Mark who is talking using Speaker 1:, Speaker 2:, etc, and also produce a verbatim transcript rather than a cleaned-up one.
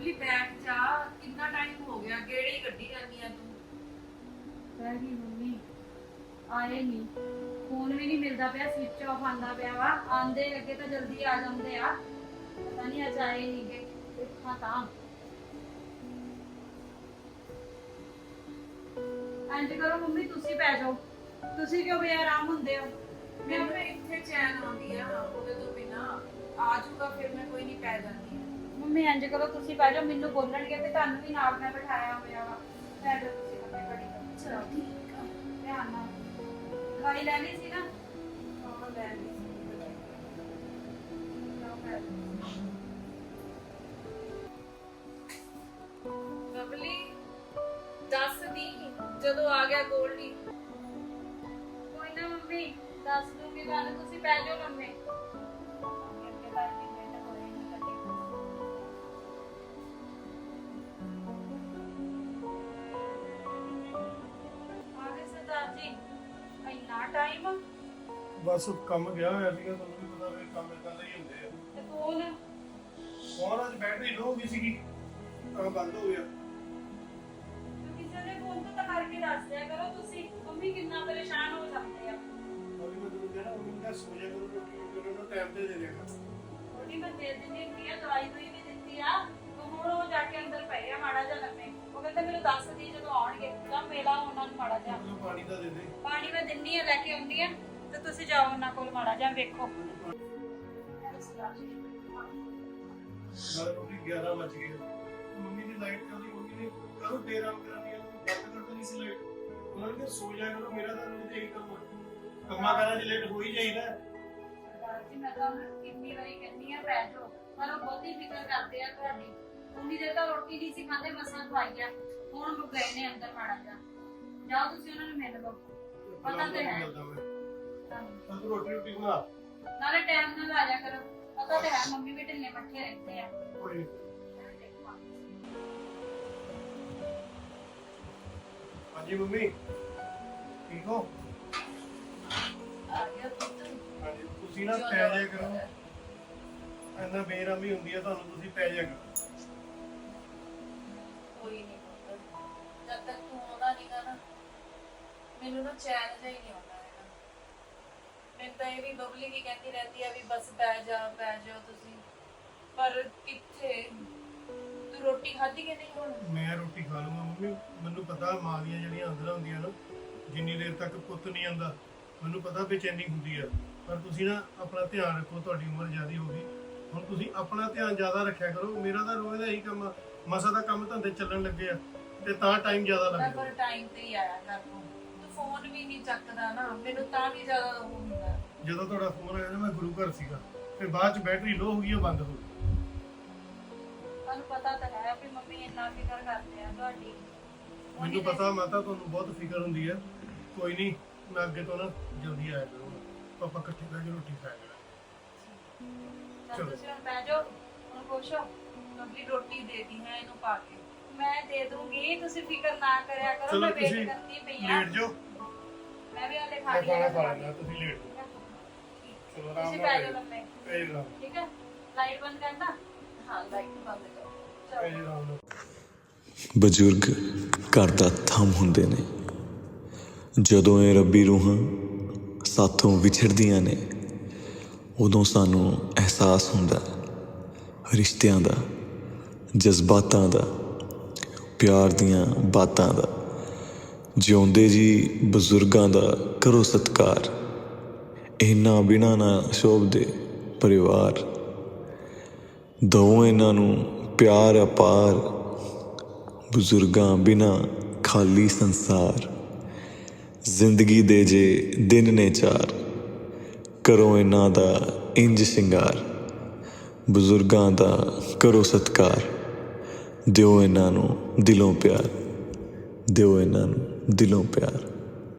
Speaker 1: ਬਬਲੀ ਬੈਠ ਜਾ, ਕਿੰਨਾ ਟਾਈਮ ਹੋ ਗਿਆ, ਕਿਹੜੀ ਗੱਡੀ ਰਹਿੰਦੀ ਆ ਤੂੰ?
Speaker 2: ਰਹਿ ਗਈ ਮੰਮੀ, ਆਏ ਨਹੀਂ, ਫੋਨ ਵੀ ਨਹੀਂ ਮਿਲਦਾ ਪਿਆ, ਸਵਿਚ ਆਫ ਆਂਦਾ ਪਿਆ ਵਾ। ਆਂਦੇ ਅੱਗੇ ਤਾਂ ਜਲਦੀ ਆ ਜਾਂਦੇ ਆ, ਪਤਾ ਨਹੀਂ ਅੱਜ ਆਏ ਨਹੀਂ ਗੇ। ਦੇਖਾਂ ਤਾਂ ਇੰਜ ਕਰੋ ਮੰਮੀ, ਤੁਸੀਂ ਪੈ ਜਾਓ। ਤੁਸੀਂ ਕਿਉਂ ਬੇਆਰਾਮ ਹੁੰਦੇ ਹੋ?
Speaker 1: ਮੈਨੂੰ ਤਾਂ ਇੱਥੇ ਚੈਨ ਆਉਂਦੀ ਆ, ਉਹਦੇ ਤੋਂ ਬਿਨਾ ਆ ਜਾਊਗਾ ਫਿਰ ਮੈਂ ਕੋਈ ਨਹੀਂ ਪੈ ਜਾਂਦੀ ਆ।
Speaker 2: ਮੰਮੀ ਇੰਜ ਕਰੋ, ਤੁਸੀਂ ਪੈ ਜਾਓ, ਮੈਨੂੰ ਬੋਲਣਗੇ ਤੇ ਤੁਹਾਨੂੰ ਵੀ ਨਾਲ ਮੈਂ ਬਿਠਾਇਆ ਹੋਇਆ ਵਾ। ਪੈ ਜਾਓ ਤੁਸੀਂ ਮੰਮੀ, ਬੜੀ
Speaker 1: ਚਲੋ ਠੀਕ ਆ।
Speaker 2: ਧਿਆਨ ਨਾਲ। ਦਵਾਈ ਲੈ ਲਈ ਸੀ ਨਾ?
Speaker 1: ਹਾਂ ਲੈ ਲਈ ਸੀ।
Speaker 2: ਲਓ ਪੈ ਜਾਓ।
Speaker 1: ਬਬਲੀ ਦੱਸ ਦੀ ਜਦੋਂ ਆ ਗਿਆ ਗੋਲਡੀ।
Speaker 2: ਕੋਈ ਨਾ ਮੰਮੀ, ਦੱਸ ਦੂੰਗੀ ਤੁਹਾਨੂੰ, ਤੁਸੀਂ ਪੈ ਜਾਓ ਲੰਮੇ। ਅੱਗੇ ਤਾਂ ਇੰਨੀ ਮਿਹਨਤ ਹੋਈ ਨਹੀਂ ਕਦੇ। ਆ ਗਏ ਸਰਦਾਰ ਜੀ, ਇੰਨਾ ਟਾਈਮ?
Speaker 3: ਬਸ ਕੰਮ ਗਿਆ ਹੋਇਆ ਸੀਗਾ, ਤੁਹਾਨੂੰ ਵੀ ਪਤਾ ਵੀ ਕੰਮ ਇਦਾਂ ਦੇ ਹੀ ਹੁੰਦੇ ਆ।
Speaker 2: ਤੇ ਫੋਨ?
Speaker 3: ਫੋਨ ਅੱਜ ਬੈਟਰੀ ਲੋ ਹੋ ਗਈ ਸੀਗੀ, ਤਾਂ ਬੰਦ ਹੋ ਗਿਆ।
Speaker 2: ਕਿਸੇ ਦੇ ਫੋਨ ਤੋਂ ਤਾਂ ਕਰਕੇ ਦੱਸ ਦਿਆ ਕਰੋ ਤੁਸੀਂ, ਮੰਮੀ ਕਿੰਨਾ ਪਰੇਸ਼ਾਨ ਹੋ ਜਾਂਦੇ ਆ।
Speaker 3: ਉਹਦੀ ਮੈਂ ਤੁਹਾਨੂੰ ਕਹਿਣਾ ਉਹਨੂੰ ਕਿਹਾ ਸੋ ਜਾ ਕਰੋ, ਰੋਟੀ ਰੋਟੀ ਉਹਨੂੰ ਟਾਈਮ ਤੇ ਦੇ ਦਿਆ ਕਰ।
Speaker 2: ਥੋੜੀ ਮੈਂ ਦੇ ਦਿੰਦੀ ਹੁੰਦੀ ਆ, ਦਵਾਈ ਦੂਈ ਵੀ ਦਿੱਤੀ ਆ, ਤੇ ਹੁਣ ਉਹ ਜਾ ਕੇ ਅੰਦਰ ਪਏ ਆ ਮਾੜਾ ਜਿਹਾ ਲੰਮੇ। ਉਹ ਕਹਿੰਦੇ ਮੈਨੂੰ ਦੱਸ ਦੀ ਜਦੋਂ ਆਉਣਗੇ, ਤਾਂ ਮੇਲਾ ਉਹਨਾਂ ਨੂੰ ਮਾੜਾ ਜਿਹਾ।
Speaker 3: ਉਹਨੂੰ ਪਾਣੀ ਤਾਂ ਦੇ ਦੇ।
Speaker 2: ਪਾਣੀ ਮੈਂ ਦਿੰਨੀ ਆ, ਲੈ ਕੇ ਆਉਂਦੀ ਆ, ਤੇ ਤੁਸੀਂ ਜਾਓ ਉਹਨਾਂ ਕੋਲ ਮਾੜਾ ਜਿਹਾ ਵੇਖੋ।
Speaker 3: ਨਾਲੇ ਰੋਟੀ ਗਿਆਰਾਂ ਵੱਜ ਗਏ, ਮੰਮੀ ਦੀ ਲਾਈਟ ਚੱਲਦੀ, ਮੰਮੀ ਨੇ ਕਰੋ ਦੇਰ ਆਰਾਮ ਕਰਾਂਦੀ ਆ, ਬੰਦ ਕਰ ਦੇਣੀ ਸੀ ਲਾਈਟ। ਉਹਨਾਂ ਨੇ ਕਿਹਾ ਸੋ ਜਾ ਕਰੋ, ਮੇਰਾ ਤਾਂ ਰੋਜ਼ ਇਹੀ ਕੰਮ ਆ, ਕੰਮਾਂ ਕਾਰਾਂ 'ਚ ਲੇਟ ਹੋ ਹੀ ਜਾਈਦਾ।
Speaker 2: ਸਰਦਾਰ ਜੀ, ਮੈਂ ਤਾਂ ਕਿੰਨੀ ਵਾਰੀ ਕਹਿੰਦੀ ਆ ਪੈ ਜਾਓ, ਪਰ ਉਹ ਬਹੁਤੀ ਫਿਕਰ ਕਰਦੇ ਆ ਤੁਹਾਡੀ। ਉਨੀ ਦੇਰ ਤਾਂ ਰੋਟੀ ਨਹੀਂ ਸੀ ਖਾਂਦੇ, ਮਸਾਂ ਖਵਾਈ ਆ, ਹੁਣ ਉਹ ਗਏ ਨੇ ਅੰਦਰ ਮਾੜਾ ਜਿਹਾ। ਜਾਓ ਤੁਸੀਂ ਉਹਨਾਂ ਨੂੰ ਮਿਲ ਲਓ, ਪਤਾ ਤੇ ਹੈ।
Speaker 3: ਤਾਂ ਤੂੰ ਰੋਟੀ ਰੋਟੀ ਬਣਾ।
Speaker 2: ਨਾਲੇ ਟਾਈਮ ਨਾਲ ਆ ਜਾ ਕਰੋ, ਪਤਾ ਤੇ ਹੈ ਮੰਮੀ ਵੀ ਢਿੱਲੇ ਮੱਠੇ ਰਹਿੰਦੇ ਆ।
Speaker 3: ਕੋਈ ਨੀ। ਹਾਂਜੀ ਮੰਮੀ, ਠੀਕ ਹੋ?
Speaker 1: ਆ ਗਿਆ ਪੁੱਤ।
Speaker 3: ਹਾਂਜੀ, ਤੁਸੀਂ ਨਾ ਪੈ ਜਾਇਆ ਕਰੋ, ਇੰਨਾ ਬੇਰਾਮੀ ਹੁੰਦੀ ਹੈ ਤੁਹਾਨੂੰ, ਤੁਸੀਂ ਪੈ ਜਾਇਆ ਕਰੋ।
Speaker 1: ਕੋਈ ਨਹੀਂ ਪੁੱਤ, ਜਦ ਤੱਕ ਤੂੰ ਆਉਂਦਾ ਨਹੀਂਗਾ ਨਾ, ਮੈਨੂੰ ਨਾ ਚੈਨ ਜਿਹਾ ਹੀ ਨਹੀਂ ਆਉਂਦਾ ਹੈਗਾ। ਮੈਨੂੰ ਤਾਂ ਇਹ ਵੀ ਬਬਲੀ ਵੀ ਕਹਿੰਦੀ ਰਹਿੰਦੀ ਆ ਵੀ ਬਸ ਪੈ ਜਾ ਪੈ ਜਾਓ ਤੁਸੀਂ, ਪਰ ਕਿੱਥੇ। ਤੂੰ ਰੋਟੀ ਖਾਧੀ ਕਿ ਨਹੀਂ ਹੁਣ?
Speaker 3: ਮੈਂ ਰੋਟੀ ਖਾ ਲੂੰਗਾ ਮੰਮੀ, ਮੈਨੂੰ ਪਤਾ ਮਾਂ ਦੀਆਂ ਜਿਹੜੀਆਂ ਅੰਦਰਾਂ ਹੁੰਦੀਆਂ ਨਾ, ਜਿੰਨੀ ਦੇਰ ਤੱਕ ਪੁੱਤ ਨਹੀਂ ਆਉਂਦਾ ਮੈਨੂੰ ਪਤਾ ਬੇਚੈਨੀ ਹੁੰਦੀ ਆ। ਪਰ ਤੁਸੀਂ ਨਾ ਆਪਣਾ ਧਿਆਨ ਰੱਖੋ, ਤੁਹਾਡੀ ਉਮਰ ਜ਼ਿਆਦੀ ਹੋ ਗਈ, ਹੁਣ ਤੁਸੀਂ ਆਪਣਾ ਧਿਆਨ ਜ਼ਿਆਦਾ ਰੱਖਿਆ ਕਰੋ। ਮੇਰਾ ਤਾਂ ਰੋਜ਼ ਦਾ ਇਹੀ ਕੰਮ ਆ, ਮਸਾ ਦਾ ਕੰਮ ਧੰਦੇ ਚੱਲਣ ਲੱਗੇ ਆ ਤੇ ਤਾਂ ਟਾਈਮ ਜ਼ਿਆਦਾ
Speaker 1: ਮੈਂ
Speaker 3: ਲੱਗਦਾ।
Speaker 1: ਪਰ ਟਾਈਮ ਤੇ ਹੀ ਆਇਆ ਕਰ ਤੂੰ। ਤੂੰ ਫੋਨ ਵੀ ਨਹੀਂ ਚੱਕਦਾ ਨਾ, ਮੈਨੂੰ ਤਾਂ ਵੀ ਜ਼ਿਆਦਾ ਉਹ ਹੁੰਦਾ।
Speaker 3: ਜਦੋਂ ਤੁਹਾਡਾ ਫੋਨ ਆਇਆ ਨਾ, ਮੈਂ ਗੁਰੂ ਘਰ ਸੀਗਾ, ਫਿਰ ਬਾਅਦ ਚ ਬੈਟਰੀ ਲੋ ਹੋ ਗਈ, ਉਹ ਬੰਦ ਹੋ ਗਈ।
Speaker 2: ਤੁਹਾਨੂੰ ਪਤਾ ਤਾਂ ਹੈ ਵੀ ਮੰਮੀ ਇੰਨਾ ਫਿਕਰ ਕਰਦੇ ਆ ਤੁਹਾਡੀ।
Speaker 3: ਮੈਨੂੰ ਪਤਾ ਮਾਤਾ ਤੁਹਾਨੂੰ ਬਹੁਤ ਫਿਕਰ ਹੁੰਦੀ ਹੈ। ਕੋਈ ਨਹੀਂ, ਮੈਂ ਅੱਗੇ ਤੋਂ ਨਾ ਜਲਦੀ ਆਇਆ ਕਰੂੰਗਾ, ਆਪਾਂ ਇਕੱਠੇ ਬਹਿ ਕੇ ਰੋਟੀ ਖਾਇਆ ਕਰਾਂਗੇ।
Speaker 2: ਚੱਲ ਤੁਸੀਂ ਹੁਣ ਬਹਿ ਜਾਓ, ਹੁਣ ਖੁਸ਼ ਹੋ?
Speaker 1: ਬਬਲੀ ਰੋਟੀ ਦੇਤੀ ਹੈ ਇਹਨੂੰ ਪਾ ਕੇ।
Speaker 2: ਮੈਂ ਦੇ ਦੂੰਗੀ, ਤੁਸੀਂ ਫਿਕਰ ਨਾ ਕਰਿਆ ਕਰੋ,
Speaker 3: ਚਲੋ
Speaker 2: ਮੈਂ ਵੇਟ
Speaker 3: ਤੁਸੀਂ
Speaker 2: ਕਰਦੀ ਪਈ ਆ।
Speaker 3: ਲੇਟ ਜਾਓ,
Speaker 2: ਮੈਂ ਵੀ ਹਲੇ ਖਾ
Speaker 3: ਮੈਂ ਖਾਣਾ
Speaker 2: ਲਿਆ।
Speaker 3: ਖਾ ਲੈਣਾ, ਤੁਸੀਂ ਲੇਟ ਜਾਓ। ਚਲੋ ਆਰਾਮ
Speaker 2: ਤੁਸੀਂ
Speaker 3: ਨਾਲ
Speaker 2: ਬਹਿ ਜਾਓ ਲੰਮੇ,
Speaker 3: ਪੈ ਜਾਓ,
Speaker 2: ਠੀਕ ਹੈ? ਲਾਈਟ ਬੰਦ ਕਰਨਾ।
Speaker 1: ਹਾਂ ਲਾਈਟ ਬੰਦ ਕਰ।
Speaker 3: ਪੈ ਜਾਓ ਆਰਾਮ ਨਾਲ।
Speaker 4: ਬਜ਼ੁਰਗ ਘਰ ਦਾ ਥੰਮ ਹੁੰਦੇ ਨੇ। ਜਦੋਂ ਇਹ ਰੱਬੀ ਰੂਹਾਂ ਸਾਥੋਂ ਵਿਛੜਦੀਆਂ ਨੇ, ਉਦੋਂ ਸਾਨੂੰ ਅਹਿਸਾਸ ਹੁੰਦਾ ਰਿਸ਼ਤਿਆਂ ਦਾ, ਜਜ਼ਬਾਤਾਂ ਦਾ, ਪਿਆਰ ਦੀਆਂ ਬਾਤਾਂ ਦਾ। ਜਿਉਂਦੇ ਜੀ ਬਜ਼ੁਰਗਾਂ ਦਾ ਕਰੋ ਸਤਿਕਾਰ, ਇਹਨਾਂ ਬਿਨਾਂ ਨਾ ਸ਼ੋਭਦੇ ਪਰਿਵਾਰ। ਦਓ ਇਹਨਾਂ ਨੂੰ ਪਿਆਰ ਅਪਾਰ, ਬਜ਼ੁਰਗਾਂ ਬਿਨਾਂ ਖਾਲੀ ਸੰਸਾਰ। ਜ਼ਿੰਦਗੀ ਦੇ ਜੇ ਦਿਨ ਨੇ ਚਾਰ, ਕਰੋ ਇਹਨਾਂ ਦਾ ਇੰਜ ਸ਼ਿੰਗਾਰ। ਬਜ਼ੁਰਗਾਂ ਦਾ ਕਰੋ ਸਤਿਕਾਰ, ਦਿਓ ਇਹਨਾਂ ਨੂੰ ਦਿਲੋਂ ਪਿਆਰ, ਦਿਓ ਇਹਨਾਂ ਨੂੰ ਦਿਲੋਂ ਪਿਆਰ।